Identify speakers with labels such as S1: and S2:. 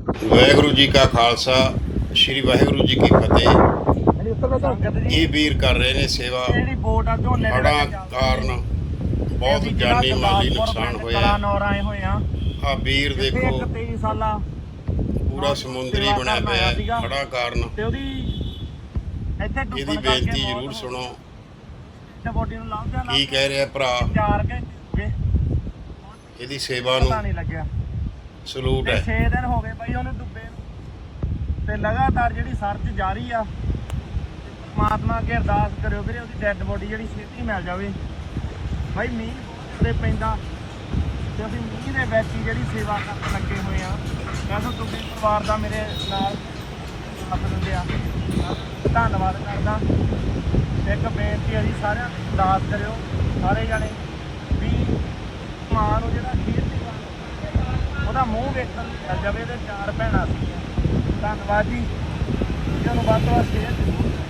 S1: ਵਾਹਿਗੁਰੂ ਜੀ ਕਾ ਖਾਲਸਾ, ਸ਼੍ਰੀ ਵਾਹਿਗੁਰੂ ਜੀ ਕੀ ਫਤਿਹ। ਇਹ ਵੀਰ ਕਰ ਰਹੇ ਨੇ ਸੇਵਾ। ਹੜ੍ਹਾਂ ਕਾਰਨ ਬਹੁਤ ਜਾਨੀ ਮਾਲੀ ਨੁਕਸਾਨ ਹੋਇਆ। ਆ ਵੀਰ ਦੇਖੋ ਪੂਰਾ ਸਮੁੰਦਰੀ ਬਣਿਆ ਪਿਆ ਹੜ੍ਹਾਂ ਕਾਰਨ। ਇਹਦੀ ਬੇਨਤੀ ਜ਼ਰੂਰ ਸੁਣੋ, ਕੀ ਕਹਿ ਰਿਹਾ ਭਰਾ। ਇਹਦੀ ਸੇਵਾ ਨੂੰ ਸਲੂਟ ਹੈ।
S2: 6 ਦਿਨ ਹੋ ਗਏ ਬਾਈ ਉਹਨੂੰ ਡੁੱਬੇ ਨੂੰ, ਤੇ ਲਗਾਤਾਰ ਜਿਹੜੀ ਸਰਚ ਜਾਰੀ ਆ। ਪਰਮਾਤਮਾ ਅੱਗੇ ਅਰਦਾਸ ਕਰਿਓ ਵੀਰੇ ਉਹਦੀ ਡੈੱਡ ਬੋਡੀ ਜਿਹੜੀ ਛੇਤੀ ਮਿਲ ਜਾਵੇ। ਬਾਈ ਮੀਂਹ ਬਹੁਤ ਪੈਂਦਾ ਤੇ ਅਸੀਂ ਮੀਂਹ ਦੇ ਵਿੱਚ ਹੀ ਜਿਹੜੀ ਸੇਵਾ ਕਰਨ ਲੱਗੇ ਹੋਏ ਆ। ਮੈਂ ਤਾਂ ਡੁੱਬੇ ਪਰਿਵਾਰ ਦਾ ਮੇਰੇ ਨਾਲ ਸਾਥ ਦਿੰਦੇ ਆ, ਧੰਨਵਾਦ ਕਰਦਾ। ਇੱਕ ਬੇਨਤੀ ਹੈ ਜੀ, ਸਾਰਿਆਂ ਨੂੰ ਅਰਦਾਸ ਕਰਿਓ ਸਾਰੇ ਜਾਣੇ ਵੀ ਮਾਂ ਨੂੰ ਜਿਹੜਾ ਖੀਰ ਉਹਦਾ ਮੂੰਹ ਵੇਖਣ ਮਿਲ ਜਾਵੇ। ਤੇ 4 ਭੈਣਾਂ ਸੀਗੀਆਂ। ਧੰਨਵਾਦ ਜੀ, ਵੀਡੀਓ ਨੂੰ ਵੱਧ ਤੋਂ ਵੱਧ ਸ਼ੇਅਰ ਜ਼ਰੂਰ